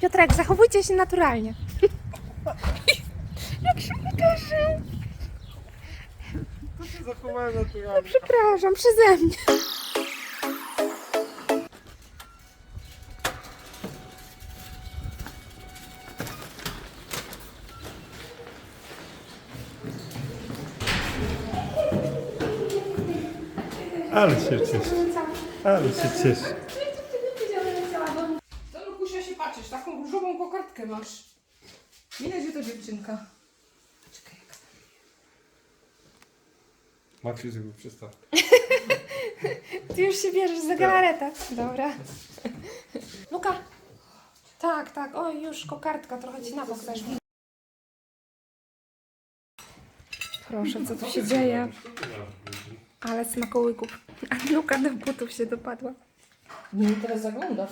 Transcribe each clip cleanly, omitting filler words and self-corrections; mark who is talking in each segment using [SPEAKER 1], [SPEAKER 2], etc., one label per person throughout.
[SPEAKER 1] Piotrek, zachowujcie się naturalnie. Jak się uderzył.
[SPEAKER 2] To się zachowałem naturalnie.
[SPEAKER 1] Przepraszam, przeze mnie.
[SPEAKER 2] Ale się cieszę. Ale się cieszę.
[SPEAKER 3] To Lukusia się patrzysz, taką różową kokardkę masz. Widać, że to dziewczynka. Czekaj, jaka tam.
[SPEAKER 2] Maciej zrobił przystawkę.
[SPEAKER 1] Ty już się bierzesz za galaretę. Dobra. Luka. Tak, tak. Oj, już kokardka trochę ci na bok zeszła. Proszę, co tu się dzieje? Ale smakołyków. A Luka do butów się dopadła.
[SPEAKER 3] Nie, teraz zagląda.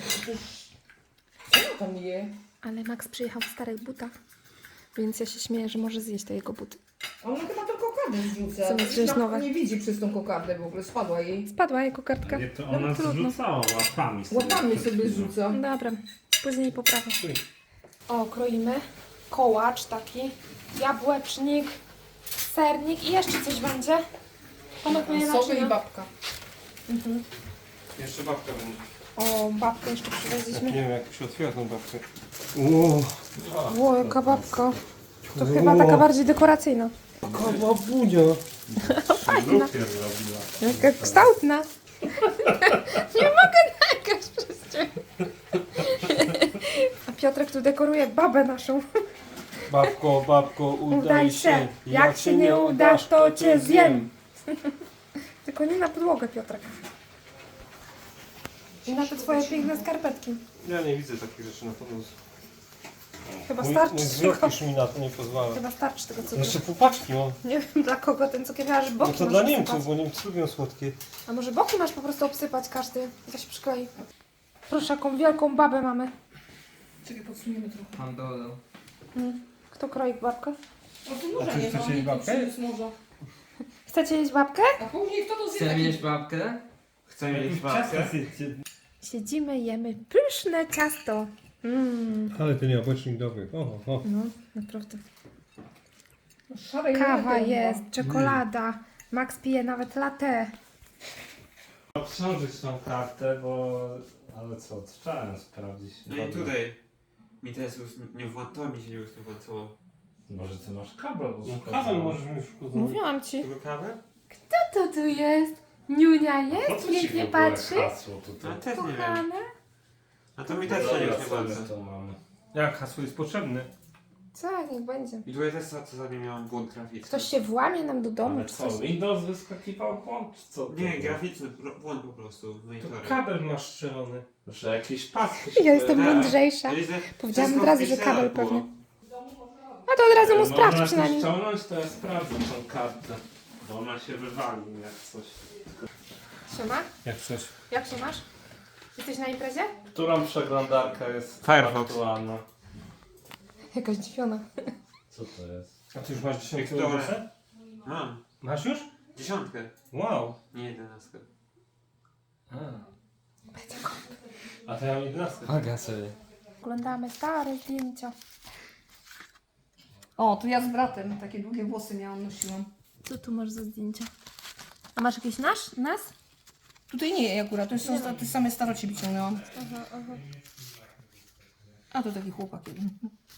[SPEAKER 3] Co ona tam je?
[SPEAKER 1] Ale Max przyjechał w starych butach. Więc ja się śmieję, że może zjeść te jego buty.
[SPEAKER 3] A ona chyba tą kokardę zrzuca.
[SPEAKER 1] Zamiast wziąć
[SPEAKER 3] Ona
[SPEAKER 1] nowe.
[SPEAKER 3] nie widzi przez tą kokardę w ogóle, spadła jej.
[SPEAKER 1] Spadła jej kokardka.
[SPEAKER 2] Nie, to
[SPEAKER 1] No,
[SPEAKER 2] ona
[SPEAKER 1] trudno.
[SPEAKER 2] zrzucała łapami.
[SPEAKER 3] Łapami sobie zrzuca.
[SPEAKER 1] Dobra, później poprawię. O, kroimy. Kołacz taki, jabłecznik, sernik i jeszcze coś będzie. Tomek mnie
[SPEAKER 3] Sowy i
[SPEAKER 1] naczyna.
[SPEAKER 3] babka.
[SPEAKER 2] Jeszcze babka będzie.
[SPEAKER 1] O, babkę jeszcze
[SPEAKER 2] Nie
[SPEAKER 1] przywieźliśmy.
[SPEAKER 2] wiem, jak się otwiera tą babkę.
[SPEAKER 1] Ło, jaka babka. To chyba taka bardziej dekoracyjna.
[SPEAKER 2] Babunia.
[SPEAKER 1] Fajna.
[SPEAKER 2] zrobiła.
[SPEAKER 1] Jaka kształtna. Nie mogę nagrać przez ciebie. A Piotrek tu dekoruje babę naszą.
[SPEAKER 2] Babko,
[SPEAKER 1] Udaj się. Jak się nie udasz, to cię zjem. Tylko nie na podłogę, Piotrek. I na te twoje piękne skarpetki.
[SPEAKER 2] Ja nie widzę takich rzeczy na podłodze.
[SPEAKER 1] Chyba
[SPEAKER 2] Mój
[SPEAKER 1] starczy
[SPEAKER 2] wzrok
[SPEAKER 1] tego.
[SPEAKER 2] już mi na to nie pozwala.
[SPEAKER 1] Chyba starczy tego cukru.
[SPEAKER 2] Jeszcze półpaczki mam.
[SPEAKER 1] Nie wiem dla kogo ten cukier, aż boki
[SPEAKER 2] No to
[SPEAKER 1] masz
[SPEAKER 2] dla
[SPEAKER 1] obsypać.
[SPEAKER 2] Niemców, bo Niemcy lubią słodkie.
[SPEAKER 1] A może boki masz po prostu obsypać każdy? To się przyklei. Proszę, jaką wielką babę mamy.
[SPEAKER 3] Czekaj, podsuniemy trochę.
[SPEAKER 4] Pandolo.
[SPEAKER 1] Kto kroi babkę?
[SPEAKER 3] O, tu
[SPEAKER 2] A
[SPEAKER 3] noża
[SPEAKER 2] ty
[SPEAKER 3] nie
[SPEAKER 2] chcecie
[SPEAKER 3] ma,
[SPEAKER 2] jeść
[SPEAKER 3] nie
[SPEAKER 2] babkę?
[SPEAKER 3] przyniósł noża.
[SPEAKER 1] Chcecie jeść babkę?
[SPEAKER 3] A później kto to zje
[SPEAKER 4] Chcesz
[SPEAKER 3] taki...
[SPEAKER 4] mieć babkę?
[SPEAKER 2] Chcę mieć babkę.
[SPEAKER 1] Siedzimy, jemy pyszne ciasto.
[SPEAKER 2] Ale ten jabłecznik dobry. O.
[SPEAKER 1] No, naprawdę.
[SPEAKER 3] Szare
[SPEAKER 1] Kawa
[SPEAKER 3] jajko
[SPEAKER 1] jest,
[SPEAKER 3] chyba.
[SPEAKER 1] czekolada. Max pije nawet latte.
[SPEAKER 5] Obsążyć tą kartę, bo... Ale co, trzeba sprawdzić.
[SPEAKER 6] No i tutaj mi teraz nie to mi się nie włączyło.
[SPEAKER 5] Może ty masz kabel
[SPEAKER 2] Kawę możesz mieć w
[SPEAKER 1] Mówiłam ci.
[SPEAKER 6] Tylko kawę?
[SPEAKER 1] Kto to tu jest? Niunia
[SPEAKER 5] Po
[SPEAKER 1] jest?
[SPEAKER 5] co ci w
[SPEAKER 1] Pięknie
[SPEAKER 5] ogóle
[SPEAKER 1] patrzy?
[SPEAKER 5] hasło tutaj?
[SPEAKER 6] No też nie wiem.
[SPEAKER 1] Kochane?
[SPEAKER 6] A to mi też się
[SPEAKER 5] Dobra,
[SPEAKER 6] nie
[SPEAKER 5] co my
[SPEAKER 6] włącza.
[SPEAKER 5] to mamy?
[SPEAKER 2] Jak hasło jest potrzebne?
[SPEAKER 1] Co, niech będzie.
[SPEAKER 6] I tutaj też co za nim miałem błąd graficzny.
[SPEAKER 1] Ktoś się włamie nam do domu,
[SPEAKER 5] Ale
[SPEAKER 1] czy
[SPEAKER 5] co,
[SPEAKER 1] coś.
[SPEAKER 5] Windows wyskakiwał błąd, czy co? to
[SPEAKER 6] Nie,
[SPEAKER 5] było?
[SPEAKER 6] graficzny błąd po prostu w
[SPEAKER 2] To
[SPEAKER 6] monitorze.
[SPEAKER 2] kabel masz strzelony.
[SPEAKER 5] Że jakiś pas.
[SPEAKER 1] Ja jestem
[SPEAKER 6] Tak.
[SPEAKER 1] mądrzejsza. Powiedziałam
[SPEAKER 6] Wszystko
[SPEAKER 1] od razu, że
[SPEAKER 6] wpisane
[SPEAKER 1] kabel
[SPEAKER 6] było.
[SPEAKER 1] pewnie. No to od razu mu sprawdź
[SPEAKER 5] Można
[SPEAKER 1] przynajmniej.
[SPEAKER 5] coś ściągnąć, to ja sprawdzę tą kartę. Bo ona się wywali jak coś.
[SPEAKER 1] Siema,
[SPEAKER 2] Jak coś.
[SPEAKER 1] jak się masz? Jesteś na imprezie?
[SPEAKER 5] Którą przeglądarka jest
[SPEAKER 6] Firefox.
[SPEAKER 5] aktualna?
[SPEAKER 1] Jakaś dziwiona.
[SPEAKER 5] Co to jest?
[SPEAKER 2] A ty już masz 10
[SPEAKER 6] Wiktoria.
[SPEAKER 2] Windowsa?
[SPEAKER 6] Mam.
[SPEAKER 2] Masz już?
[SPEAKER 6] 10.
[SPEAKER 2] Wow.
[SPEAKER 6] Nie 11.
[SPEAKER 2] A to ja mam 11.
[SPEAKER 5] Aga sobie.
[SPEAKER 1] Oglądamy stare zdjęcia.
[SPEAKER 3] O, tu ja z bratem. Takie długie włosy miałam, nosiłam.
[SPEAKER 1] Co tu masz za zdjęcia? A masz jakiś nas?
[SPEAKER 3] Tutaj nie akurat, to są te same staroci wyciągnęłam. A to taki chłopak jeden.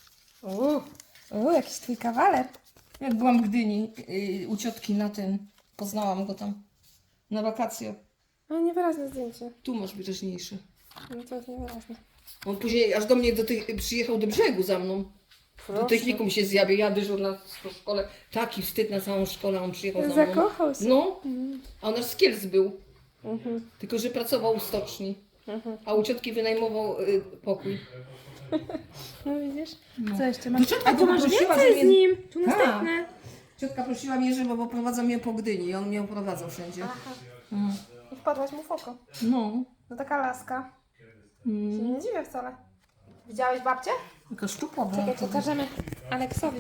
[SPEAKER 1] O, jakiś twój kawaler.
[SPEAKER 3] Jak byłam w Gdyni u ciotki na tym, poznałam go tam. Na wakacje.
[SPEAKER 1] No niewyraźne zdjęcie.
[SPEAKER 3] Tu masz wyraźniejsze.
[SPEAKER 1] No to jest niewyraźne.
[SPEAKER 3] On później aż do mnie przyjechał do brzegu za mną. Do technikum się zjawił, ja dyżurna po szkole. Taki wstyd na całą szkołę, on przyjechał za mną.
[SPEAKER 1] Zakochał się.
[SPEAKER 3] No, a on aż z Kielc był. Tylko, że pracował u stoczni. A u ciotki wynajmował pokój.
[SPEAKER 1] No widzisz? Co jeszcze masz?
[SPEAKER 3] ciotka
[SPEAKER 1] A tu
[SPEAKER 3] go
[SPEAKER 1] masz
[SPEAKER 3] poprosiła,
[SPEAKER 1] więcej
[SPEAKER 3] żeby-
[SPEAKER 1] z nim. Tu
[SPEAKER 3] Tak.
[SPEAKER 1] następne.
[SPEAKER 3] Ciotka prosiła mnie, żeby oprowadza mnie po Gdyni i on mnie oprowadzał wszędzie.
[SPEAKER 1] Aha. I wpadłaś mu w oko.
[SPEAKER 3] No.
[SPEAKER 1] No taka laska. Się nie dziwię wcale. Widziałeś babcię?
[SPEAKER 3] Taka szczupła była.
[SPEAKER 1] Czekaj, pokażemy Aleksowi.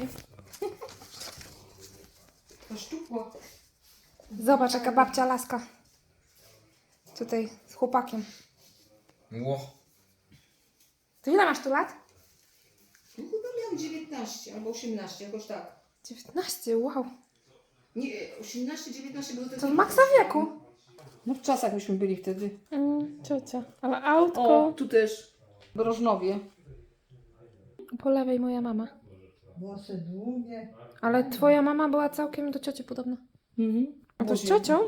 [SPEAKER 3] Taka szczupła.
[SPEAKER 1] Zobacz, jaka babcia laska. Tutaj z chłopakiem.
[SPEAKER 4] Ło.
[SPEAKER 1] To ile masz tu lat?
[SPEAKER 3] No chyba miałam 19 albo 18, jakoś tak.
[SPEAKER 1] 19, wow.
[SPEAKER 3] Nie, 18, 19 było
[SPEAKER 1] To w maksa wieku.
[SPEAKER 3] No w czasach myśmy byli wtedy.
[SPEAKER 1] Ciocia. Ale autko.
[SPEAKER 3] O, tu też. W Rożnowie.
[SPEAKER 1] Po lewej moja mama.
[SPEAKER 4] Włosy długie.
[SPEAKER 1] Ale twoja mama była całkiem do cioci podobna.
[SPEAKER 3] Mhm.
[SPEAKER 1] A to z ciocią?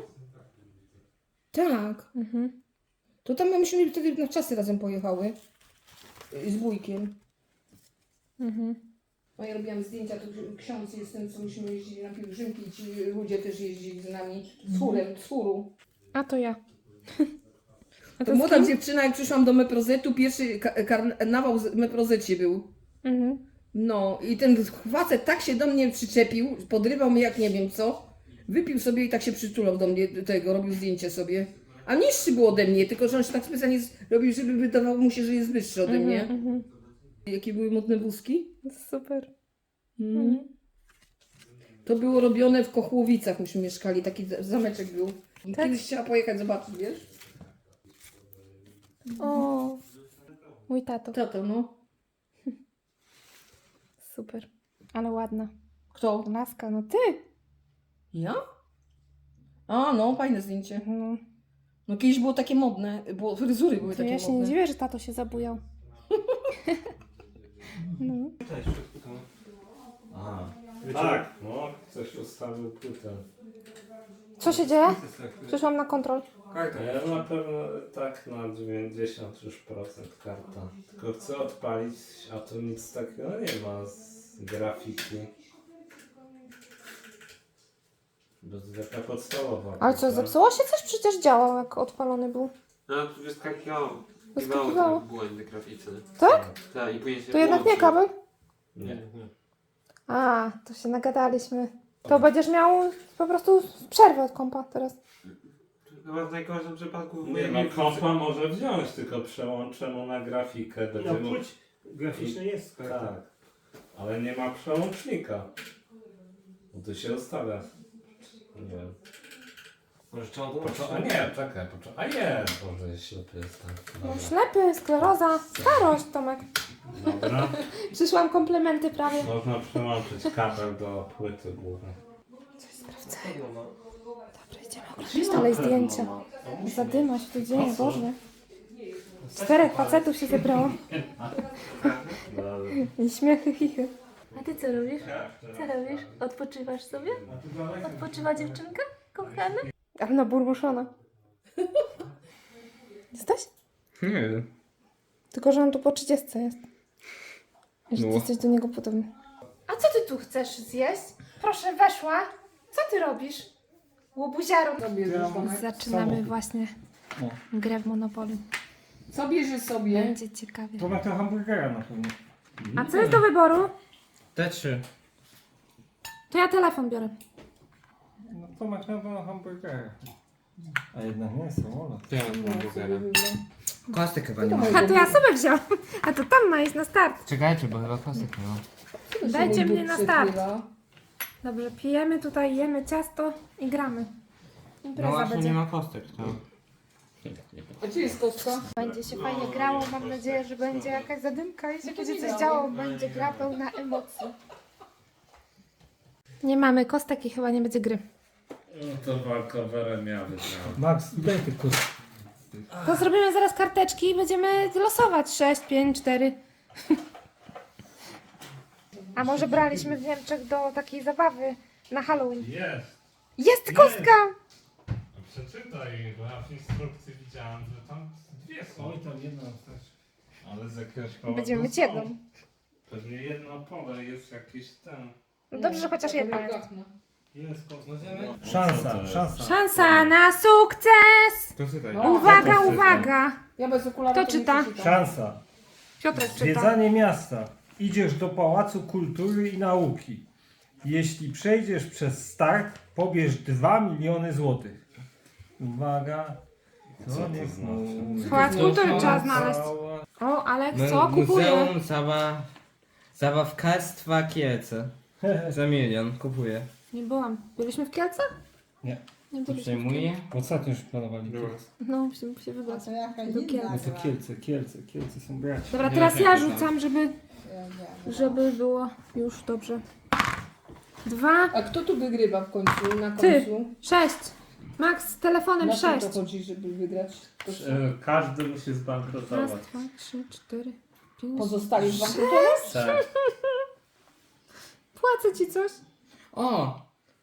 [SPEAKER 3] Tak.
[SPEAKER 1] Mhm.
[SPEAKER 3] To tam myśmy wtedy na czasy razem pojechały. Z wujkiem.
[SPEAKER 1] Mhm.
[SPEAKER 3] No ja robiłam zdjęcia, to ksiądz jest ten, co myśmy jeździli na pielgrzymki i ci ludzie też jeździli z nami. Z chórem, z chóru.
[SPEAKER 1] A to ja. A
[SPEAKER 3] To
[SPEAKER 1] z
[SPEAKER 3] młoda
[SPEAKER 1] kim?
[SPEAKER 3] dziewczyna, jak przyszłam do Meprozetu, pierwszy karnawał w Meprozecie był.
[SPEAKER 1] Mhm.
[SPEAKER 3] No i ten facet tak się do mnie przyczepił, podrywał mnie jak nie wiem co. Wypił sobie i tak się przytulał do mnie, do tego, robił zdjęcie sobie. A niższy był ode mnie, tylko że on się tak specjalnie robił, żeby wydawało mu się, że jest wyższy ode mnie.
[SPEAKER 1] Mhm.
[SPEAKER 3] Jakie były modne wózki?
[SPEAKER 1] Super.
[SPEAKER 3] To było robione w Kochłowicach, myśmy mieszkali, taki zameczek był.
[SPEAKER 1] Tak?
[SPEAKER 3] Kiedyś chciała pojechać zobaczyć, wiesz?
[SPEAKER 1] O. Mój tato.
[SPEAKER 3] Tato, no.
[SPEAKER 1] Super. Ale ładna.
[SPEAKER 3] Kto?
[SPEAKER 1] Laska, no ty.
[SPEAKER 3] Ja? A, no, fajne zdjęcie.
[SPEAKER 1] No.
[SPEAKER 3] No kiedyś było takie modne, bo fryzury były
[SPEAKER 1] To
[SPEAKER 3] takie
[SPEAKER 1] ja się nie
[SPEAKER 3] modne.
[SPEAKER 1] dziwię, że tato się zabujał. No.
[SPEAKER 5] Aha. Tak, no, ktoś ustawił płytę.
[SPEAKER 1] Co się dzieje? Przyszłam na kontrol.
[SPEAKER 5] Ja na pewno tak na 90 już procent karta. Tylko chcę odpalić, a tu nic takiego nie ma z grafiki. Bo to taka podstawowa.
[SPEAKER 1] Ale co,
[SPEAKER 5] płyta.
[SPEAKER 1] zepsuło się coś? Przecież działał, jak odpalony był.
[SPEAKER 6] No tu wyskakiwało.
[SPEAKER 1] Wyskakiwało.
[SPEAKER 6] Te błędy graficzne.
[SPEAKER 1] Tak?
[SPEAKER 6] Tak, i później się
[SPEAKER 1] To jednak nie
[SPEAKER 6] włączy.
[SPEAKER 1] kabel?
[SPEAKER 5] Nie.
[SPEAKER 1] A, to się nagadaliśmy. To będziesz miał po prostu przerwę od kompa teraz.
[SPEAKER 6] Chyba w najgorszym przypadku
[SPEAKER 5] Nie no, kompa może wziąć, tylko przełączę mu na grafikę.
[SPEAKER 2] No
[SPEAKER 5] Będzie mu...
[SPEAKER 2] płeć graficzna jest.
[SPEAKER 5] Tak. Ale nie ma przełącznika. No to się ustawia. Nie wiem.
[SPEAKER 6] Może trzeba
[SPEAKER 5] A nie, czekaj, a nie, Boże, ślepy jestem.
[SPEAKER 1] No, ślepy, skleroza, starość, Tomek.
[SPEAKER 5] Dobra.
[SPEAKER 1] Przyszłam komplementy prawie.
[SPEAKER 5] Można przełączyć kabel do płyty głównej.
[SPEAKER 1] Sprawdzę. Dobra, idziemy oglądać dalej zdjęcia. Zadyma się tu dzieje, Boże. 4 facetów się zebrało. I śmiechy, chichy. A ty co robisz? Co robisz? Odpoczywasz sobie? Odpoczywa dziewczynka? Kochana? Ale no burmuszona. Jesteś?
[SPEAKER 6] Nie wiem.
[SPEAKER 1] Tylko, że on tu po 30 jest. I że ty jesteś do niego podobny. A co ty tu chcesz zjeść? Proszę, weszła. Co ty robisz? Łobuziaro. Zaczynamy właśnie grę w Monopoly.
[SPEAKER 3] Co bierze sobie?
[SPEAKER 1] Będzie ciekawie.
[SPEAKER 2] To ma to hamburgera na pewno.
[SPEAKER 1] A co jest do wyboru?
[SPEAKER 6] Te trzy.
[SPEAKER 1] To ja telefon biorę.
[SPEAKER 2] No to ma na pewno hamburgera. A jednak nie, samolat.
[SPEAKER 6] Ja mam burgera. Kostek chyba nie ma.
[SPEAKER 1] A to ja sobie wziąłam. A to tam ma iść na start.
[SPEAKER 6] Czekajcie, bo chyba kostek nie ma.
[SPEAKER 1] Dajcie mnie na start. Dobrze, pijemy tutaj, jemy ciasto i gramy.
[SPEAKER 6] No
[SPEAKER 1] Impreza
[SPEAKER 6] właśnie
[SPEAKER 1] będzie.
[SPEAKER 6] nie ma kostek, to...
[SPEAKER 3] A gdzie jest kostka?
[SPEAKER 1] Będzie się fajnie grało, mam nadzieję, że będzie jakaś zadymka i się będzie coś działo, będzie gra pełna emocji. Nie mamy kostek i chyba nie będzie gry.
[SPEAKER 5] No to walkowerem ja wygrałem.
[SPEAKER 2] Max, daj tylko.
[SPEAKER 1] To zrobimy zaraz karteczki i będziemy losować 6, 5, 4. A może braliśmy w Niemczech do takiej zabawy na Halloween?
[SPEAKER 5] Jest.
[SPEAKER 1] Jest kostka!
[SPEAKER 5] Przeczytaj, bo ja w instrukcji widziałem, że tam dwie są.
[SPEAKER 2] Oj, tam jedna też.
[SPEAKER 5] Ale z jakiegoś powodu
[SPEAKER 1] Będziemy mieć
[SPEAKER 5] są.
[SPEAKER 1] jedną.
[SPEAKER 5] Pewnie jedno pole jest jakiś ten.
[SPEAKER 1] No dobrze, że chociaż jedna jest.
[SPEAKER 2] Jest szansa, szansa.
[SPEAKER 1] Szansa na sukces!
[SPEAKER 6] To czytaj.
[SPEAKER 3] No.
[SPEAKER 1] Uwaga,
[SPEAKER 5] Ja to
[SPEAKER 1] uwaga!
[SPEAKER 3] Ja bez okularów
[SPEAKER 1] Kto
[SPEAKER 3] to nie
[SPEAKER 1] czyta?
[SPEAKER 3] przeczytam.
[SPEAKER 2] Szansa.
[SPEAKER 1] Piotrek czyta.
[SPEAKER 2] Zwiedzanie miasta. Idziesz do Pałacu Kultury i Nauki. Jeśli przejdziesz przez start, pobierz 2 miliony złotych. Uwaga.
[SPEAKER 5] Co to
[SPEAKER 2] niech
[SPEAKER 5] znaczy?
[SPEAKER 2] mówi.
[SPEAKER 1] Pałac Kultury trzeba znaleźć. O, Alek, co? Kupuję.
[SPEAKER 7] Muzeum Zabawkarstwa Kielce. Za 1 000 000 kupuję.
[SPEAKER 1] Nie byłam. Byliśmy w Kielcach?
[SPEAKER 2] Nie.
[SPEAKER 1] Nie
[SPEAKER 6] To
[SPEAKER 1] byliśmy w
[SPEAKER 6] przejmuję.
[SPEAKER 2] Ostatnio już planowali
[SPEAKER 6] Dobra.
[SPEAKER 2] Kielce.
[SPEAKER 1] No, musimy się
[SPEAKER 4] A
[SPEAKER 1] wybrać.
[SPEAKER 4] to jakaś
[SPEAKER 1] Do
[SPEAKER 4] inna
[SPEAKER 1] Kielc.
[SPEAKER 2] No to
[SPEAKER 4] gra.
[SPEAKER 2] Kielce są braci.
[SPEAKER 1] Dobra,
[SPEAKER 6] Nie
[SPEAKER 1] teraz
[SPEAKER 6] wiem,
[SPEAKER 1] ja
[SPEAKER 6] jak to
[SPEAKER 1] rzucam, żeby
[SPEAKER 4] Nie.
[SPEAKER 1] żeby było już dobrze. 2,
[SPEAKER 3] A kto tu wygrywa w końcu, na
[SPEAKER 1] Ty.
[SPEAKER 3] końcu?
[SPEAKER 1] 6. Max z telefonem
[SPEAKER 3] Na co
[SPEAKER 1] 6.
[SPEAKER 3] to chodzi, żeby wygrać? To
[SPEAKER 5] Każdy musi
[SPEAKER 1] Raz,
[SPEAKER 5] zbankrutować.
[SPEAKER 1] 2, 3, 4, 5.
[SPEAKER 3] pozostali zbankrutować?
[SPEAKER 5] Tak.
[SPEAKER 1] Płacę ci coś?
[SPEAKER 6] O!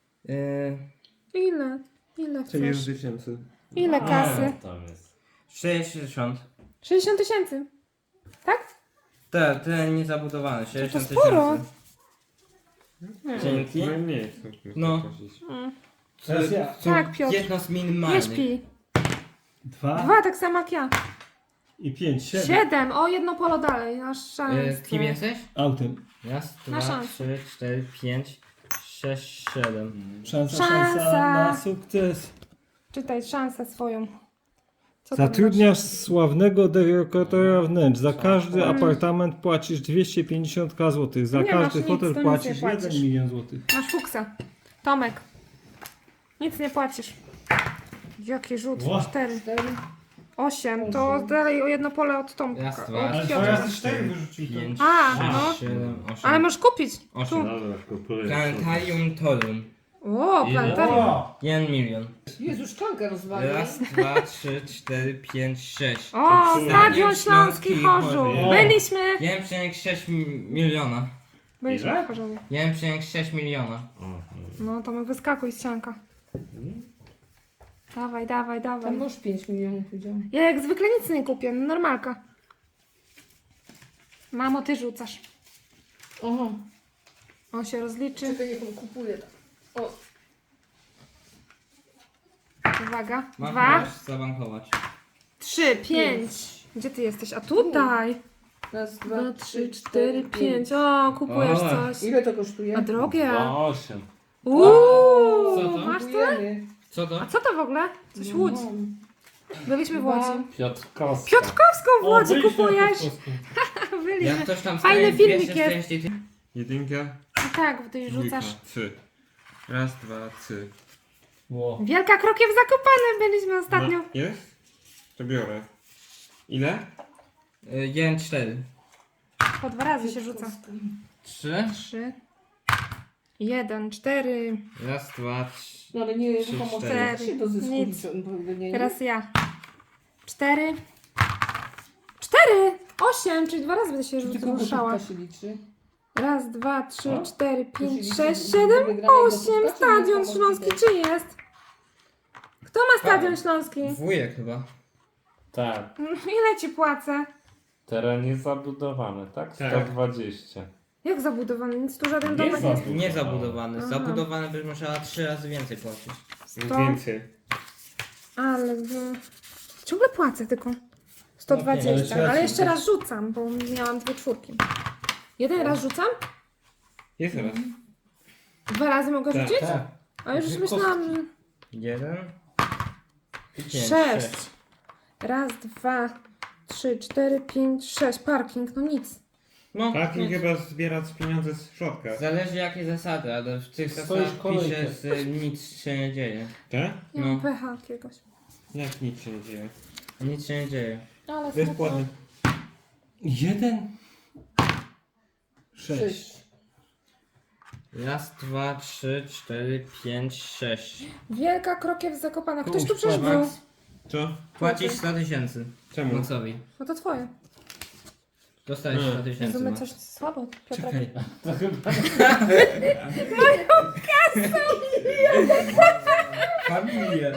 [SPEAKER 1] Ile? Ile chcesz?
[SPEAKER 6] tysięcy.
[SPEAKER 1] Ile kasy?
[SPEAKER 5] Tam jest.
[SPEAKER 6] 60.
[SPEAKER 1] 60 tysięcy. Tak?
[SPEAKER 6] Te niezabudowane, 60
[SPEAKER 1] sporo.
[SPEAKER 6] tysięcy. Dzięki.
[SPEAKER 2] Najmniej.
[SPEAKER 6] No.
[SPEAKER 2] Teraz ja.
[SPEAKER 1] Tak, Piotr.
[SPEAKER 6] Jedno z
[SPEAKER 1] Nie
[SPEAKER 6] minimalnych.
[SPEAKER 1] śpi.
[SPEAKER 2] 2
[SPEAKER 1] 2, tak samo jak ja.
[SPEAKER 2] i 5, 7.
[SPEAKER 1] 7. O, jedno polo dalej. Masz szansę.
[SPEAKER 6] Kim jesteś?
[SPEAKER 2] Autem.
[SPEAKER 6] Raz,
[SPEAKER 1] Na
[SPEAKER 6] dwa,
[SPEAKER 1] szansę.
[SPEAKER 6] 3, 4, 5, 6, 7.
[SPEAKER 2] Szansa
[SPEAKER 1] Szansa.
[SPEAKER 2] na sukces.
[SPEAKER 1] Czytaj szansę swoją. Co tam
[SPEAKER 2] Zatrudniasz sławnego dekoratora wnętrz. Za każdy apartament płacisz 250 zł. Za
[SPEAKER 1] Nie masz
[SPEAKER 2] każdy
[SPEAKER 1] nic,
[SPEAKER 2] hotel
[SPEAKER 1] to nic
[SPEAKER 2] płacisz
[SPEAKER 1] nie
[SPEAKER 2] 1
[SPEAKER 1] płacisz.
[SPEAKER 2] milion złotych.
[SPEAKER 1] Masz fuksa. Tomek. Nic nie płacisz. Jaki rzut?
[SPEAKER 2] Ła.
[SPEAKER 1] 4. 8. To dalej o jedno pole od Tomka.
[SPEAKER 6] Raz, dwa,
[SPEAKER 1] Od
[SPEAKER 6] trzy,
[SPEAKER 1] Piotra.
[SPEAKER 2] 4 wyrzucił.
[SPEAKER 6] 5,
[SPEAKER 1] A,
[SPEAKER 6] 6,
[SPEAKER 1] no.
[SPEAKER 6] 7, 8.
[SPEAKER 1] Ale możesz kupić.
[SPEAKER 6] 8.
[SPEAKER 5] Dobra, kupuję.
[SPEAKER 6] Planetarium Torum.
[SPEAKER 1] O, planetarium.
[SPEAKER 6] 1 milion.
[SPEAKER 3] Jezu, szklankę rozwalił.
[SPEAKER 6] Raz, dwa, 3, 4, 5, 6.
[SPEAKER 1] O, Stadion Śląski
[SPEAKER 6] Śląski
[SPEAKER 1] Chorzów.
[SPEAKER 2] Chorzów.
[SPEAKER 1] Byliśmy.
[SPEAKER 6] 1,6 miliona.
[SPEAKER 1] Byliśmy
[SPEAKER 5] Ile?
[SPEAKER 1] w Chorzowie.
[SPEAKER 6] 1,6 miliona.
[SPEAKER 1] No, Tomek, wyskakuj z sianka. Dawaj, dawaj,
[SPEAKER 3] Tam
[SPEAKER 1] dawaj.
[SPEAKER 3] masz 5 milionów, widziałam.
[SPEAKER 1] Ja jak zwykle nic nie kupię, no normalka. Mamo, ty rzucasz.
[SPEAKER 3] Aha,
[SPEAKER 1] On się rozliczy.
[SPEAKER 3] czekaj, niech on kupuje. O,
[SPEAKER 1] Uwaga.
[SPEAKER 6] Mam
[SPEAKER 1] 2,
[SPEAKER 6] możesz zabankować.
[SPEAKER 1] 3, 5. Gdzie ty jesteś? A tutaj.
[SPEAKER 3] raz,
[SPEAKER 1] 2,
[SPEAKER 3] dwa,
[SPEAKER 1] 3, 4, 5. O, kupujesz
[SPEAKER 6] O.
[SPEAKER 1] coś.
[SPEAKER 3] Ile to kosztuje?
[SPEAKER 1] A drogie.
[SPEAKER 5] 8.
[SPEAKER 6] Co
[SPEAKER 1] Uuu,
[SPEAKER 6] to?
[SPEAKER 1] masz tyle?
[SPEAKER 3] Kupujemy.
[SPEAKER 6] Co to?
[SPEAKER 1] A co to w ogóle? Coś Łódź. Byliśmy w Łodzi.
[SPEAKER 5] Piotrkowska.
[SPEAKER 1] Piotrkowską w Łodzi kupujesz.
[SPEAKER 6] Jak
[SPEAKER 1] Byliśmy.
[SPEAKER 6] ktoś tam
[SPEAKER 1] Fajny
[SPEAKER 6] staje
[SPEAKER 1] filmik
[SPEAKER 6] 240 Jedynka,
[SPEAKER 1] A tak, bo ty
[SPEAKER 6] dwójka,
[SPEAKER 1] rzucasz.
[SPEAKER 6] 3. Raz, dwa, 3.
[SPEAKER 2] Ło.
[SPEAKER 1] Wielka Krokiew Zakopane byliśmy ostatnio.
[SPEAKER 6] Jest? To biorę. Ile? 1, 4.
[SPEAKER 1] Po 2 razy się rzuca.
[SPEAKER 6] 3.
[SPEAKER 1] 3, 1, 4.
[SPEAKER 6] Raz, dwa, 3.
[SPEAKER 3] No ale nie,
[SPEAKER 6] Trzy,
[SPEAKER 3] pomocy.
[SPEAKER 6] cztery.
[SPEAKER 3] się to zysku
[SPEAKER 1] Nic.
[SPEAKER 3] nie.
[SPEAKER 1] Teraz ja. 4. 4! 8, czyli 2 razy będę się
[SPEAKER 3] Tylko
[SPEAKER 1] ruszała.
[SPEAKER 3] gotówka się liczy.
[SPEAKER 1] Raz, 2, 3, 4, 5,
[SPEAKER 3] liczy
[SPEAKER 1] 6,
[SPEAKER 3] do
[SPEAKER 1] 7,
[SPEAKER 3] wygranej
[SPEAKER 1] 8.
[SPEAKER 3] gotówka, czy
[SPEAKER 1] Stadion
[SPEAKER 3] nie?
[SPEAKER 1] Śląski czy jest? Kto ma Stadion Śląski?
[SPEAKER 6] Wujek chyba.
[SPEAKER 5] Tak.
[SPEAKER 1] Ile ci płacę?
[SPEAKER 5] Teren jest zabudowany, tak?
[SPEAKER 6] Tak.
[SPEAKER 5] 120.
[SPEAKER 1] Jak zabudowany? Nic tu żaden domek nie jest.
[SPEAKER 6] Nie zabudowany.
[SPEAKER 1] Aha.
[SPEAKER 6] Zabudowany byś musiała 3 razy więcej płacić.
[SPEAKER 1] 100.
[SPEAKER 6] Więcej.
[SPEAKER 1] Ale ciągle płacę tylko 120,
[SPEAKER 2] ale
[SPEAKER 1] ale jeszcze raz rzucam, bo miałam 2 czwórki. Jeden raz rzucam?
[SPEAKER 6] Jest raz.
[SPEAKER 1] 2 razy mogę rzucić?
[SPEAKER 2] Tak.
[SPEAKER 1] A już myślałam, że
[SPEAKER 6] 1 i 5.
[SPEAKER 1] 6. Raz, 2, 3, 4, 5, 6. Parking, no nic.
[SPEAKER 6] No,
[SPEAKER 7] Parking
[SPEAKER 6] nic.
[SPEAKER 7] chyba zbiera pieniądze z środka.
[SPEAKER 6] Zależy jakie zasady, ale w tych
[SPEAKER 2] Stoisz
[SPEAKER 6] zasadach
[SPEAKER 2] kolejkę.
[SPEAKER 6] pisze, że nic się nie dzieje.
[SPEAKER 7] Tak?
[SPEAKER 1] Nie mam
[SPEAKER 6] No.
[SPEAKER 1] pecha jakiegoś.
[SPEAKER 7] Jak nic się nie dzieje.
[SPEAKER 6] Nic się nie dzieje.
[SPEAKER 1] Ale
[SPEAKER 7] Bezpłatny.
[SPEAKER 2] 1, 6.
[SPEAKER 6] Raz, dwa, 3, 4, 5, 6.
[SPEAKER 1] Wielka Krokiew Zakopana. Ktoś tu
[SPEAKER 2] Kurczę,
[SPEAKER 1] przecież był.
[SPEAKER 6] Max.
[SPEAKER 7] Co?
[SPEAKER 6] Płacisz 100 tysięcy.
[SPEAKER 7] Czemu?
[SPEAKER 6] Maxowi.
[SPEAKER 1] No to twoje.
[SPEAKER 6] Dostajesz 100 tysięcy.
[SPEAKER 1] Rozumy
[SPEAKER 6] Max.
[SPEAKER 1] coś słabo. Piotrek.
[SPEAKER 6] Czekaj. Familia.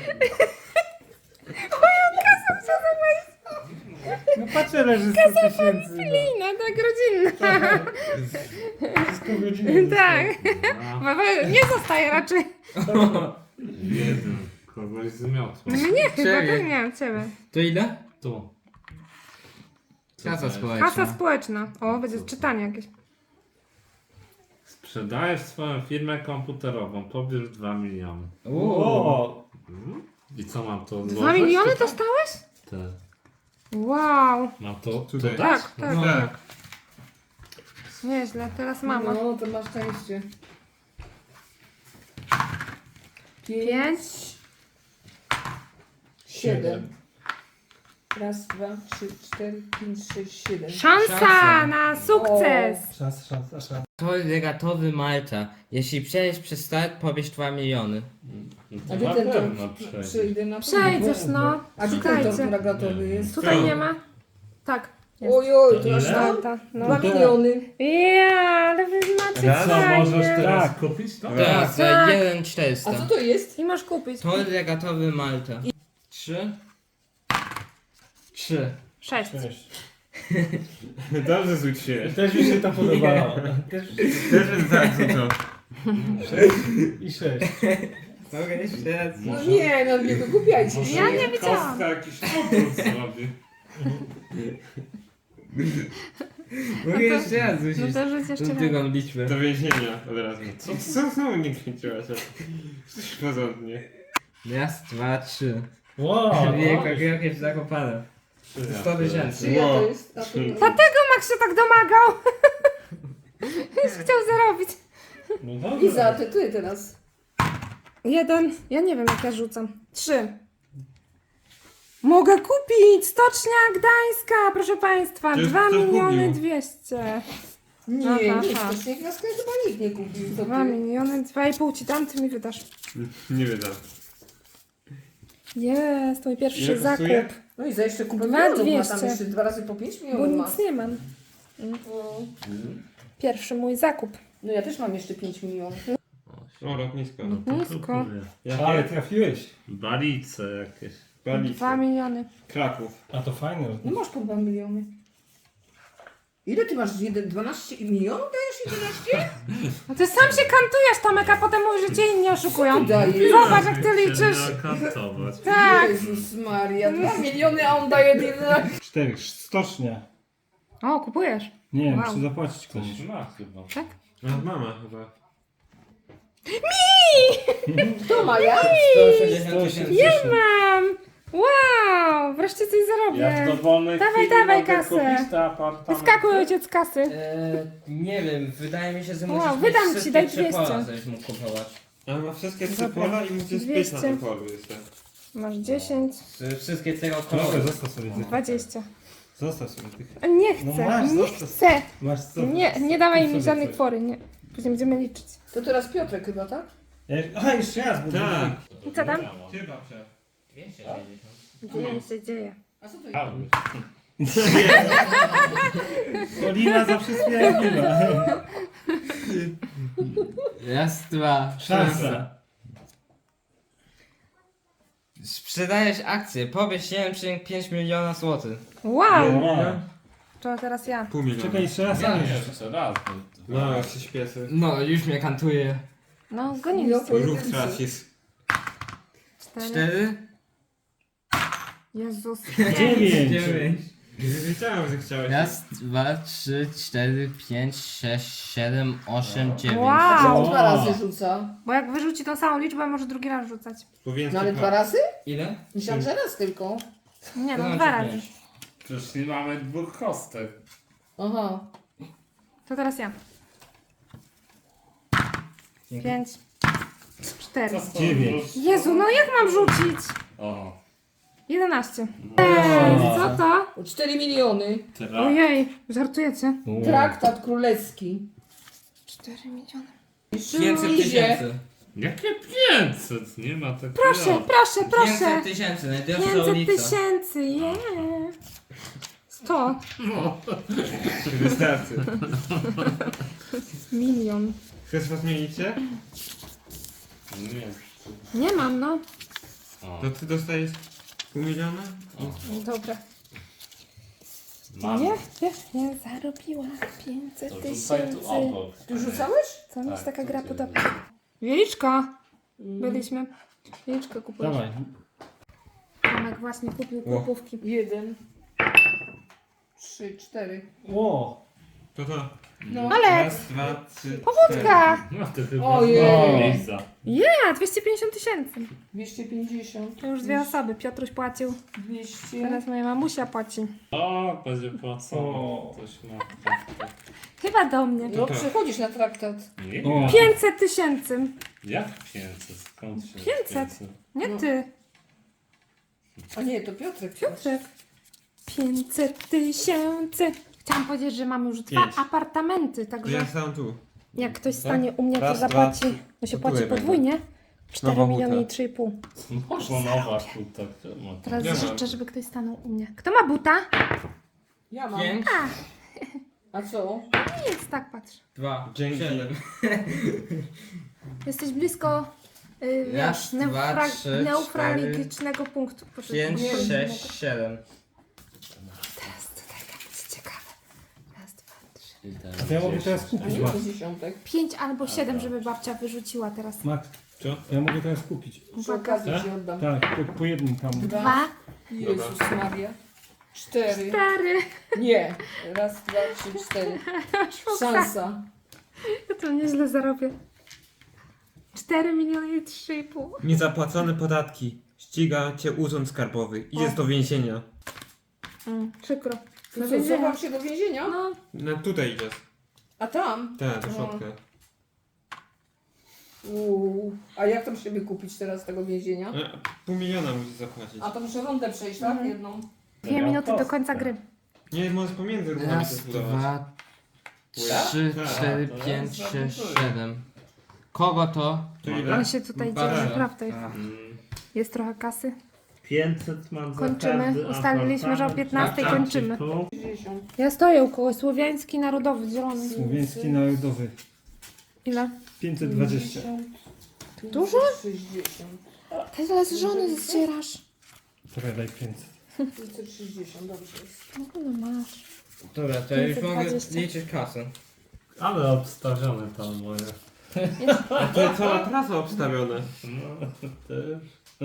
[SPEAKER 2] No patrzę, leży 100 tysięcy.
[SPEAKER 1] Lina, tak rodzinna.
[SPEAKER 2] Wszystko w rodzinie.
[SPEAKER 1] Tak. Nie zostaje raczej.
[SPEAKER 5] Jeden. Kogoś zmiotło.
[SPEAKER 1] Mnie chyba,
[SPEAKER 6] Ciebie.
[SPEAKER 1] tak nie, ciebie.
[SPEAKER 6] To ile?
[SPEAKER 5] Tu.
[SPEAKER 6] Kasa społeczna.
[SPEAKER 1] Kasa społeczna. O, będzie czytanie jakieś.
[SPEAKER 5] Sprzedajesz swoją firmę komputerową, pobierz 2 miliony.
[SPEAKER 2] O,
[SPEAKER 5] I co mam to
[SPEAKER 1] 2
[SPEAKER 5] odłożyć?
[SPEAKER 1] miliony dostałeś?
[SPEAKER 5] Tak.
[SPEAKER 1] Wow.
[SPEAKER 5] Mam to
[SPEAKER 7] Tutaj.
[SPEAKER 5] dodać?
[SPEAKER 1] Tak, tak.
[SPEAKER 6] No.
[SPEAKER 1] tak. Nieźle, teraz mama.
[SPEAKER 3] No, to masz szczęście.
[SPEAKER 1] 5,
[SPEAKER 3] 7. Raz, 2, 3, 4, 5, 6, 7.
[SPEAKER 1] Szansa na sukces!
[SPEAKER 2] Szansa.
[SPEAKER 8] Tor regatowy Malta. Jeśli przejdziesz przez start, pobierz 2 miliony.
[SPEAKER 3] A gdzie ten
[SPEAKER 5] pewno
[SPEAKER 3] tor? Przejdę na
[SPEAKER 1] Przejdziesz, no.
[SPEAKER 3] A gdzie ten tor
[SPEAKER 1] Czekajcie.
[SPEAKER 3] regatowy jest?
[SPEAKER 1] Tutaj nie ma? Tak. Jest.
[SPEAKER 3] Ojoj, to aż
[SPEAKER 5] Ile?
[SPEAKER 3] tam.
[SPEAKER 1] Malta. No.
[SPEAKER 3] 2 miliony.
[SPEAKER 1] Ja, ale wy macie
[SPEAKER 5] Raz, co możesz
[SPEAKER 1] fajnie.
[SPEAKER 5] teraz
[SPEAKER 2] Tak.
[SPEAKER 5] kupić? To?
[SPEAKER 8] Tak, za
[SPEAKER 1] Tak.
[SPEAKER 8] 1,400.
[SPEAKER 3] A co to jest?
[SPEAKER 1] I masz kupić.
[SPEAKER 8] Tor regatowy Malta. 3. 3.
[SPEAKER 1] 6.
[SPEAKER 6] Dobrze zwróciłeś.
[SPEAKER 2] Też mi się to podobało. Też
[SPEAKER 6] Też tak, co?
[SPEAKER 2] 6 i 6.
[SPEAKER 8] Mogę jeszcze raz?
[SPEAKER 3] No nie, no nie wygłupiajcie się.
[SPEAKER 1] Ja nie wiedziałam.
[SPEAKER 5] Kostka jakiś obrót zrobi.
[SPEAKER 8] Mogę jeszcze raz rzucić
[SPEAKER 1] No to rzuć jeszcze
[SPEAKER 8] tą
[SPEAKER 1] raz.
[SPEAKER 8] drugą liczbę.
[SPEAKER 6] Do więzienia od razu. Co znowu nie kręciłaś? Coś porządnie.
[SPEAKER 8] Raz, 2, 3.
[SPEAKER 2] Wow.
[SPEAKER 8] Wielka gra jest zakopana. 100 tysięcy.
[SPEAKER 3] Czyja to jest? A to...
[SPEAKER 1] Dlatego Max się tak domagał. Już chciał zarobić.
[SPEAKER 2] No dobrze.
[SPEAKER 3] Iza, ty teraz.
[SPEAKER 1] 1. Ja nie wiem jak ja rzucam. 3. Mogę kupić! Stocznia Gdańska, proszę państwa.
[SPEAKER 6] Czy
[SPEAKER 1] 2
[SPEAKER 6] ktoś
[SPEAKER 1] miliony
[SPEAKER 6] kupił?
[SPEAKER 1] 200.
[SPEAKER 3] Nie,
[SPEAKER 1] Aha,
[SPEAKER 3] nie,
[SPEAKER 1] aha.
[SPEAKER 3] stoczniak na sklep chyba nikt nie kupił. To
[SPEAKER 1] 2
[SPEAKER 3] ty.
[SPEAKER 1] miliony, 2,5 ci dam, ty mi wydasz.
[SPEAKER 6] Nie wydam.
[SPEAKER 1] Jest, to mój pierwszy
[SPEAKER 6] Ile
[SPEAKER 1] zakup.
[SPEAKER 6] kosztuje?
[SPEAKER 3] No i za jeszcze kupę
[SPEAKER 1] 2
[SPEAKER 3] milionów ma tam
[SPEAKER 1] 200.
[SPEAKER 3] jeszcze 2 razy po 5
[SPEAKER 1] Bo
[SPEAKER 3] milionów ma.
[SPEAKER 1] nic nie mam. Pierwszy mój zakup.
[SPEAKER 3] No ja też mam jeszcze 5 milionów.
[SPEAKER 6] O, lotnisko.
[SPEAKER 1] Nisko.
[SPEAKER 2] Ale
[SPEAKER 6] Jakie?
[SPEAKER 2] trafiłeś.
[SPEAKER 5] Balice jakieś.
[SPEAKER 1] 2
[SPEAKER 6] Balice.
[SPEAKER 1] miliony.
[SPEAKER 6] Kraków.
[SPEAKER 2] A to fajne.
[SPEAKER 3] No masz po 2 miliony. Ile ty masz? 12 milionów dajesz 11?
[SPEAKER 1] No ty sam się kantujesz, Tomek, a potem mówisz, że cię inni oszukują.
[SPEAKER 3] Daje.
[SPEAKER 1] Zobacz, jak ty liczysz.
[SPEAKER 5] Kantować.
[SPEAKER 1] Tak.
[SPEAKER 3] Jezus Maria, 2 miliony, a on daje 11.
[SPEAKER 2] 4. Stocznia.
[SPEAKER 1] O, kupujesz.
[SPEAKER 2] Nie,
[SPEAKER 1] Wow.
[SPEAKER 2] muszę zapłacić komuś.
[SPEAKER 5] Coś ma chyba.
[SPEAKER 1] Tak?
[SPEAKER 6] A, mama chyba.
[SPEAKER 3] To ma ja?
[SPEAKER 8] 180 tysięcy.
[SPEAKER 1] Ja mam! Wow! Wreszcie coś zarobię.
[SPEAKER 5] Ja w dowolnej
[SPEAKER 1] Dawaj,
[SPEAKER 5] chwili
[SPEAKER 1] dawaj
[SPEAKER 5] mogę
[SPEAKER 1] kasę.
[SPEAKER 5] kupić te apartamenty.
[SPEAKER 1] Wyskakuj ojciec z kasy.
[SPEAKER 8] Nie wiem, wydaje mi się, że
[SPEAKER 1] Wow,
[SPEAKER 8] musisz mieć
[SPEAKER 1] wydam ci,
[SPEAKER 8] wszystkie
[SPEAKER 1] daj
[SPEAKER 8] 3
[SPEAKER 1] 200.
[SPEAKER 8] pola, żebyś mógł kupować.
[SPEAKER 6] Ale ma wszystkie trzy
[SPEAKER 1] Dobra.
[SPEAKER 6] pola i musisz spieć na
[SPEAKER 1] 200.
[SPEAKER 6] tym polu jeszcze.
[SPEAKER 1] Masz 10,
[SPEAKER 8] Wszystkie tego
[SPEAKER 2] Dobra,
[SPEAKER 8] kolory.
[SPEAKER 2] zostaw sobie tych.
[SPEAKER 1] 20.
[SPEAKER 2] Zostaw sobie tych.
[SPEAKER 1] A nie
[SPEAKER 2] No
[SPEAKER 1] chcę,
[SPEAKER 2] masz,
[SPEAKER 1] nie
[SPEAKER 2] zostaw.
[SPEAKER 1] chcę.
[SPEAKER 2] Masz co?
[SPEAKER 1] Nie dawaj
[SPEAKER 2] Kup
[SPEAKER 1] mi
[SPEAKER 2] sobie
[SPEAKER 1] żadnej
[SPEAKER 2] coś.
[SPEAKER 1] kwory, nie. Później będziemy liczyć.
[SPEAKER 3] To teraz Piotrek chyba, tak?
[SPEAKER 2] A, jeszcze raz. Bo
[SPEAKER 6] Tak.
[SPEAKER 1] I co tam?
[SPEAKER 6] Ty babcia.
[SPEAKER 8] 260.
[SPEAKER 1] Dzieje się, dzieje.
[SPEAKER 3] A co to jest?
[SPEAKER 2] Olina zawsze sprawiedliwa.
[SPEAKER 8] Raz, 2,
[SPEAKER 2] Szansa.
[SPEAKER 8] Sprzedajesz akcję, pobierz 1,5 miliona złotych.
[SPEAKER 1] Wow!
[SPEAKER 2] No.
[SPEAKER 1] To teraz ja.
[SPEAKER 6] Pół miliona.
[SPEAKER 2] Czekaj, jeszcze raz.
[SPEAKER 5] Ja jeszcze raz.
[SPEAKER 6] No, jak się śpieszy.
[SPEAKER 8] No, już mnie kantuje.
[SPEAKER 1] No, goniliście.
[SPEAKER 6] Ruch tracisz.
[SPEAKER 1] 4.
[SPEAKER 8] 4,
[SPEAKER 1] Jezus.
[SPEAKER 2] 9.
[SPEAKER 8] 9.
[SPEAKER 6] Wiedziałem, że chciałeś.
[SPEAKER 8] Raz, 2, 3, 4, 5, 6, 7, 8, 9.
[SPEAKER 3] A
[SPEAKER 1] Wow!
[SPEAKER 3] czemu 2 razy rzuca?
[SPEAKER 1] Bo jak wyrzuci tą samą liczbę, może drugi raz rzucać.
[SPEAKER 3] No ale 2 razy?
[SPEAKER 8] Ile?
[SPEAKER 3] Myślałam, że raz tylko.
[SPEAKER 1] Nie
[SPEAKER 8] To
[SPEAKER 1] no,
[SPEAKER 8] znaczy
[SPEAKER 1] 2 razy.
[SPEAKER 8] 5.
[SPEAKER 5] Przecież nie mamy dwóch kostek.
[SPEAKER 3] Aha.
[SPEAKER 1] To teraz ja. 5. 4.
[SPEAKER 2] 9.
[SPEAKER 1] Jezu, no jak mam rzucić?
[SPEAKER 5] O.
[SPEAKER 1] 11. Ej, co to?
[SPEAKER 3] O 4 miliony.
[SPEAKER 5] Teraz.
[SPEAKER 1] Ojej, żartujecie?
[SPEAKER 3] Traktat królewski.
[SPEAKER 1] 4 miliony.
[SPEAKER 8] 500
[SPEAKER 3] Idzie.
[SPEAKER 8] tysięcy.
[SPEAKER 5] Jakie 500? Nie ma takiego.
[SPEAKER 1] Proszę, proszę,
[SPEAKER 8] 500
[SPEAKER 1] proszę.
[SPEAKER 8] tysięcy, najdroższa
[SPEAKER 1] 500
[SPEAKER 8] ulica.
[SPEAKER 1] tysięcy, yeah. 100.
[SPEAKER 6] Wystarczy.
[SPEAKER 1] Milion.
[SPEAKER 6] Chcesz was zmienicie?
[SPEAKER 5] Nie.
[SPEAKER 1] Nie mam, no.
[SPEAKER 5] O.
[SPEAKER 6] To ty dostajesz pół miliona?
[SPEAKER 1] Dobra.
[SPEAKER 5] Mam.
[SPEAKER 1] Nie zarobiłam 500
[SPEAKER 5] To rzucaj tu
[SPEAKER 1] tysięcy.
[SPEAKER 5] obok.
[SPEAKER 3] Ty rzucałeś?
[SPEAKER 1] Co mi
[SPEAKER 5] Tak,
[SPEAKER 1] się taka
[SPEAKER 5] to
[SPEAKER 1] gra
[SPEAKER 5] ty-
[SPEAKER 1] podoba? Wieliczka. Byliśmy. Wieliczkę kupujesz.
[SPEAKER 2] Dawaj.
[SPEAKER 1] Tomek właśnie kupił kupówki.
[SPEAKER 3] 1. 3, 4.
[SPEAKER 2] O.
[SPEAKER 6] To.
[SPEAKER 3] No.
[SPEAKER 1] Ale
[SPEAKER 6] Raz, 2, 3,
[SPEAKER 1] powódka!
[SPEAKER 5] No ty chyba
[SPEAKER 3] Ojej.
[SPEAKER 5] Liza.
[SPEAKER 1] Ja, 250 tysięcy.
[SPEAKER 3] 250.
[SPEAKER 1] To już 2 osoby. Piotruś płacił.
[SPEAKER 3] 200.
[SPEAKER 1] Teraz moja mamusia płaci.
[SPEAKER 5] O, będzie płacone.
[SPEAKER 2] O.
[SPEAKER 5] Ktoś ma kartę.
[SPEAKER 1] Chyba do mnie.
[SPEAKER 3] No przechodzisz na traktat.
[SPEAKER 5] Nie,
[SPEAKER 2] O.
[SPEAKER 1] 500 tysięcy.
[SPEAKER 5] jak 500? Skąd się
[SPEAKER 1] 500? Nie
[SPEAKER 3] No.
[SPEAKER 1] ty.
[SPEAKER 3] A nie, to Piotrek.
[SPEAKER 1] Piotrek. 500 000. Chciałam powiedzieć, że mamy już 2
[SPEAKER 6] 5.
[SPEAKER 1] apartamenty,
[SPEAKER 6] To
[SPEAKER 1] także
[SPEAKER 6] ja sam tu.
[SPEAKER 1] jak ktoś stanie u mnie, to
[SPEAKER 6] Raz,
[SPEAKER 1] zapłaci,
[SPEAKER 6] dwa,
[SPEAKER 1] no się
[SPEAKER 6] to
[SPEAKER 1] płaci
[SPEAKER 6] tutaj
[SPEAKER 1] podwójnie. 4
[SPEAKER 6] Nowa
[SPEAKER 1] miliony i
[SPEAKER 6] buta.
[SPEAKER 1] 3,5.
[SPEAKER 5] Ponowa tutaj.
[SPEAKER 1] Teraz
[SPEAKER 6] Nie ma.
[SPEAKER 1] życzę, żeby ktoś stanął u mnie. Kto ma buta?
[SPEAKER 3] Ja mam.
[SPEAKER 8] 5,
[SPEAKER 3] A co?
[SPEAKER 1] Nic, tak patrz.
[SPEAKER 8] 2,
[SPEAKER 6] Dzięki.
[SPEAKER 8] 7.
[SPEAKER 1] Jesteś blisko
[SPEAKER 8] Raz, dwa, trzy,
[SPEAKER 1] neufralgicznego punktu. Proszę.
[SPEAKER 8] 5,
[SPEAKER 1] Nie,
[SPEAKER 8] 6, 7.
[SPEAKER 1] Teraz tutaj będzie ciekawe. Raz, 2, 3.
[SPEAKER 2] A to ja mogę teraz
[SPEAKER 3] A
[SPEAKER 2] kupić,
[SPEAKER 3] nie
[SPEAKER 2] Max.
[SPEAKER 3] to dziesiątek.
[SPEAKER 1] 5 albo 7, żeby babcia wyrzuciła teraz.
[SPEAKER 2] Max,
[SPEAKER 6] Co?
[SPEAKER 2] ja mogę teraz kupić.
[SPEAKER 3] Przy okazji ci oddam.
[SPEAKER 2] Tak, po jednym tam.
[SPEAKER 1] 2,
[SPEAKER 3] Jezus Maria. 4.
[SPEAKER 1] 4.
[SPEAKER 3] Nie. Raz, 2, 3, 4. Szansa.
[SPEAKER 1] Ja to nieźle zarobię. 4 miliony i 3,5.
[SPEAKER 6] Niezapłacone podatki. Ściga cię urząd skarbowy. Idziesz do więzienia.
[SPEAKER 1] Przykro.
[SPEAKER 3] To
[SPEAKER 1] Do
[SPEAKER 3] co,
[SPEAKER 1] więzienia.
[SPEAKER 3] zobacz się do więzienia?
[SPEAKER 1] No,
[SPEAKER 6] No tutaj idziesz.
[SPEAKER 3] A tam?
[SPEAKER 6] Tak, do środka.
[SPEAKER 3] A jak tam się wykupić teraz z tego więzienia?
[SPEAKER 6] 500 000 musisz zapłacić.
[SPEAKER 3] A to muszę rundę przejść, tak? Jedną.
[SPEAKER 1] 2 minuty do końca gry.
[SPEAKER 6] Nie, możesz pomiędzy rundami
[SPEAKER 8] Raz,
[SPEAKER 6] też budować.
[SPEAKER 8] 2, 3, 4, 5, 6, 7. Kogo to?
[SPEAKER 6] To
[SPEAKER 1] On
[SPEAKER 6] ile?
[SPEAKER 1] się tutaj
[SPEAKER 8] Bardzo.
[SPEAKER 1] dzieje, naprawdę.
[SPEAKER 8] A,
[SPEAKER 1] Jest trochę kasy.
[SPEAKER 5] 500 mam za
[SPEAKER 1] Kończymy.
[SPEAKER 5] każdy
[SPEAKER 1] Ustaliliśmy, że o
[SPEAKER 5] apartament.
[SPEAKER 1] 15
[SPEAKER 5] Tak,
[SPEAKER 1] kończymy.
[SPEAKER 5] tu.
[SPEAKER 3] 60.
[SPEAKER 1] Ja stoję u kogoś. Słowiański Narodowy, zielony.
[SPEAKER 2] Słowiański Narodowy.
[SPEAKER 1] Ile?
[SPEAKER 2] 520.
[SPEAKER 1] Dużo?
[SPEAKER 3] 60.
[SPEAKER 1] Tyle z żony zdzierasz.
[SPEAKER 2] Trochę daj 500.
[SPEAKER 3] 560, dobrze jest.
[SPEAKER 1] No masz.
[SPEAKER 8] Dobra, to ja już mogę
[SPEAKER 1] 520.
[SPEAKER 8] liczyć kasę.
[SPEAKER 5] Ale obstawione tam moje.
[SPEAKER 6] A to jest cała trasa obstawiona.
[SPEAKER 5] No, też.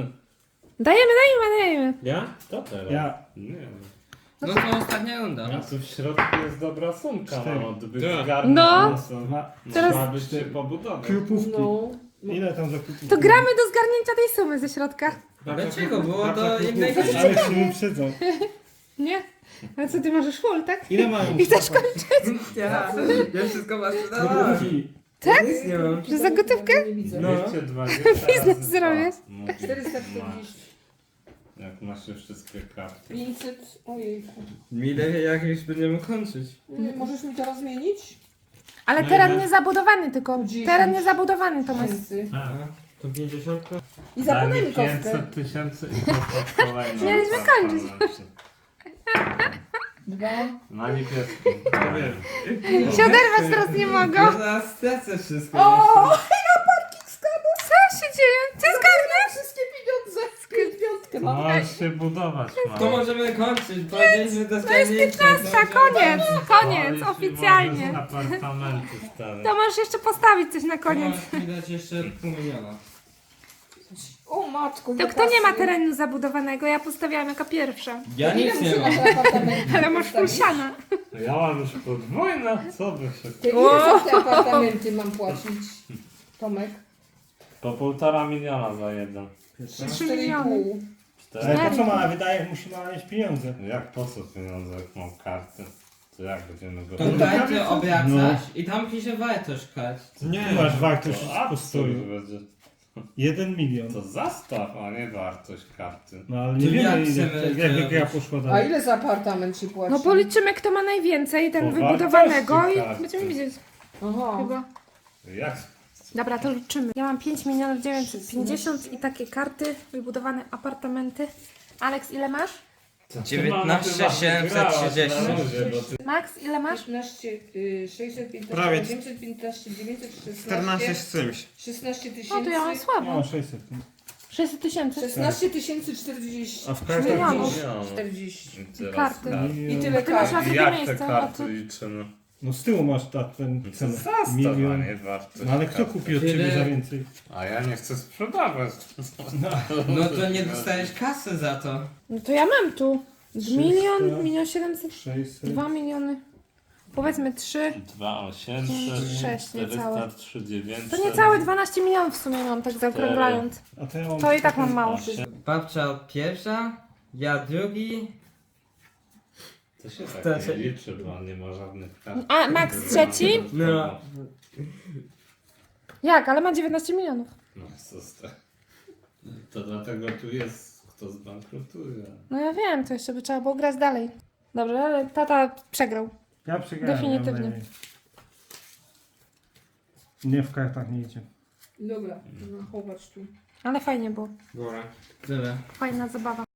[SPEAKER 1] Dajemy.
[SPEAKER 6] Ja?
[SPEAKER 5] To teraz?
[SPEAKER 2] Ja.
[SPEAKER 5] Nie wiem.
[SPEAKER 8] No to ostatnia runda.
[SPEAKER 5] A tu w środku jest dobra sumka,
[SPEAKER 2] 4.
[SPEAKER 5] no, gdyby
[SPEAKER 6] Tak.
[SPEAKER 5] zgarnąć,
[SPEAKER 1] No.
[SPEAKER 5] to
[SPEAKER 2] Dwa.
[SPEAKER 1] Teraz-
[SPEAKER 5] trzeba by się pobudować.
[SPEAKER 2] Krupówki.
[SPEAKER 3] No.
[SPEAKER 2] Ile tam za krupówki?
[SPEAKER 1] To gramy do zgarnięcia tej sumy ze środka.
[SPEAKER 8] Dlaczego? Było
[SPEAKER 6] Babcia
[SPEAKER 8] to
[SPEAKER 6] krupówki.
[SPEAKER 8] jak najwyżej.
[SPEAKER 2] Ale się wyprzedzą.
[SPEAKER 1] Nie? A co, ty możesz full, tak?
[SPEAKER 2] Ile mają?
[SPEAKER 1] I chcesz kończyć?
[SPEAKER 8] Ja wszystko was sprzedawałem.
[SPEAKER 2] Krupówki.
[SPEAKER 1] Tak?
[SPEAKER 8] Nic nie mam.
[SPEAKER 1] Że za gotówkę?
[SPEAKER 3] Nie widzę.
[SPEAKER 2] No.
[SPEAKER 5] 220
[SPEAKER 1] Biznes
[SPEAKER 5] razy
[SPEAKER 1] zrobisz.
[SPEAKER 5] dwa. Mówię,
[SPEAKER 3] 440.
[SPEAKER 5] Jak masz już wszystkie karty.
[SPEAKER 3] 500. Ojejku.
[SPEAKER 8] Mi lepiej jak już będziemy kończyć.
[SPEAKER 3] Nie, możesz mi teraz zmienić?
[SPEAKER 1] Ale
[SPEAKER 6] No
[SPEAKER 1] teren
[SPEAKER 6] ile?
[SPEAKER 1] niezabudowany tylko.
[SPEAKER 3] 10.
[SPEAKER 1] Teren niezabudowany, Tomasz.
[SPEAKER 3] Tysięcy.
[SPEAKER 5] Tak.
[SPEAKER 6] To 50?
[SPEAKER 3] I
[SPEAKER 5] Daj
[SPEAKER 3] zapomnij
[SPEAKER 5] mi
[SPEAKER 3] mi kostkę.
[SPEAKER 5] 500 tysięcy i potem kolejną.
[SPEAKER 1] Mieliśmy kończyć.
[SPEAKER 5] apartament.
[SPEAKER 3] 2.
[SPEAKER 5] Na niebieskim.
[SPEAKER 6] wiem.
[SPEAKER 1] Się oderwać teraz nie mogą.
[SPEAKER 8] Ja zaraz stracę wszystko.
[SPEAKER 3] O!
[SPEAKER 1] Co się dzieje? Ty zgarniasz?
[SPEAKER 3] Wszystkie pieniądze. Piątkę mam.
[SPEAKER 5] Możesz się budować,
[SPEAKER 8] To
[SPEAKER 5] mamo.
[SPEAKER 8] możemy kończyć, powiedzieliśmy do zgarnięcia.
[SPEAKER 1] Koniec, koniec, oficjalnie.
[SPEAKER 5] Apartamenty stare.
[SPEAKER 1] To możesz jeszcze postawić coś na
[SPEAKER 8] To
[SPEAKER 1] koniec.
[SPEAKER 8] możesz mi dać jeszcze 500 000.
[SPEAKER 3] O matko.
[SPEAKER 1] To
[SPEAKER 3] ile
[SPEAKER 1] kto nie ma
[SPEAKER 3] kasy.
[SPEAKER 1] terenu zabudowanego? Ja postawiłam jako pierwsza.
[SPEAKER 8] Ja
[SPEAKER 3] Ile
[SPEAKER 8] nic nie
[SPEAKER 3] muszę
[SPEAKER 8] mam.
[SPEAKER 3] na te apartamenty
[SPEAKER 1] Ale masz full
[SPEAKER 3] postawić?
[SPEAKER 1] siana.
[SPEAKER 5] Ja mam już podwójne, co by się...
[SPEAKER 3] To ile za te apartamenty mam płacić? Tomek?
[SPEAKER 5] Po 1,5 miliona za jeden.
[SPEAKER 1] 3 miliony.
[SPEAKER 3] 4,5.
[SPEAKER 2] Ale po co mama wydaje, jak musi mama mieć pieniądze?
[SPEAKER 5] Jak po co pieniądze, jak mam karty? To jak będziemy go...
[SPEAKER 8] To dajcie obracać i tam pisze wartość kart.
[SPEAKER 6] Nie.
[SPEAKER 2] Tu masz wartość
[SPEAKER 5] To
[SPEAKER 2] po
[SPEAKER 5] absurd
[SPEAKER 2] stoju.
[SPEAKER 5] będzie.
[SPEAKER 2] 1 milion.
[SPEAKER 5] To zastaw, a nie wartość karty.
[SPEAKER 2] No ale nie
[SPEAKER 8] To
[SPEAKER 2] wiemy
[SPEAKER 8] jak
[SPEAKER 2] ile,
[SPEAKER 8] chcemy
[SPEAKER 2] jak gra
[SPEAKER 8] zrobić?
[SPEAKER 2] poszła
[SPEAKER 3] A
[SPEAKER 2] dalej.
[SPEAKER 3] ile za apartament się płaci?
[SPEAKER 1] No policzymy kto ma najwięcej, ten
[SPEAKER 5] Po
[SPEAKER 1] wybudowanego
[SPEAKER 5] wartości
[SPEAKER 1] i
[SPEAKER 5] karty.
[SPEAKER 1] będziemy widzieć
[SPEAKER 3] Aha.
[SPEAKER 1] chyba.
[SPEAKER 5] Jak?
[SPEAKER 1] Dobra, to liczymy. Ja mam 5 milionów 950 i takie karty, wybudowane apartamenty. Aleks, ile masz?
[SPEAKER 8] 19 730.
[SPEAKER 1] Max, ile masz?
[SPEAKER 3] 15, 615,
[SPEAKER 6] Prawie.
[SPEAKER 3] 815, 916,
[SPEAKER 6] 14 z czymś.
[SPEAKER 3] 16
[SPEAKER 1] No to ja mam
[SPEAKER 3] tysięcy.
[SPEAKER 1] słabo.
[SPEAKER 2] No 600.
[SPEAKER 1] 600 tysięcy.
[SPEAKER 3] 16 40.
[SPEAKER 2] A w kartach
[SPEAKER 1] Milionów.
[SPEAKER 3] 40.
[SPEAKER 1] Karty.
[SPEAKER 3] I tyle
[SPEAKER 1] Ty masz na
[SPEAKER 3] kart.
[SPEAKER 1] drugie
[SPEAKER 5] Jak te
[SPEAKER 1] miejsce, a
[SPEAKER 5] karty
[SPEAKER 1] ty...
[SPEAKER 5] liczymy?
[SPEAKER 2] No z tyłu masz ten
[SPEAKER 5] To
[SPEAKER 2] cenę.
[SPEAKER 5] zastaw, a
[SPEAKER 2] Milion.
[SPEAKER 5] nie wartość
[SPEAKER 2] No ale kto
[SPEAKER 5] karty.
[SPEAKER 2] kupi od
[SPEAKER 8] Tyle-
[SPEAKER 2] ciebie za więcej?
[SPEAKER 5] A ja nie chcę sprzedawać.
[SPEAKER 8] No to nie dostajesz kasy za to.
[SPEAKER 1] No to ja mam tu.
[SPEAKER 2] 300.
[SPEAKER 1] Milion, 1 700,
[SPEAKER 2] 600.
[SPEAKER 1] 2 miliony. Powiedzmy 3.
[SPEAKER 5] 2800,
[SPEAKER 1] 6 niecałe.
[SPEAKER 5] 403 900.
[SPEAKER 1] To niecałe 12 milionów w sumie mam, tak zaokrąglając.
[SPEAKER 2] A to ja mam...
[SPEAKER 1] To i tak mam mało.
[SPEAKER 8] Babcia pierwsza, ja drugi.
[SPEAKER 5] To się tak
[SPEAKER 8] To
[SPEAKER 5] nie
[SPEAKER 8] się-
[SPEAKER 5] liczy, bo nie ma żadnych kart.
[SPEAKER 1] A Max trzeci?
[SPEAKER 8] No.
[SPEAKER 1] Jak? Ale ma 19 milionów.
[SPEAKER 5] No co z tego? To dlatego tu jest kto zbankrutuje.
[SPEAKER 1] No ja wiem, to jeszcze by trzeba było grać dalej. Dobrze, ale tata przegrał.
[SPEAKER 2] Ja przegrałem.
[SPEAKER 1] Definitywnie.
[SPEAKER 2] ja najmniej. Nie, w kartach nie idzie.
[SPEAKER 3] Dobra, chować tu.
[SPEAKER 1] Ale fajnie było.
[SPEAKER 7] Góra.
[SPEAKER 8] Tyle.
[SPEAKER 1] Fajna zabawa.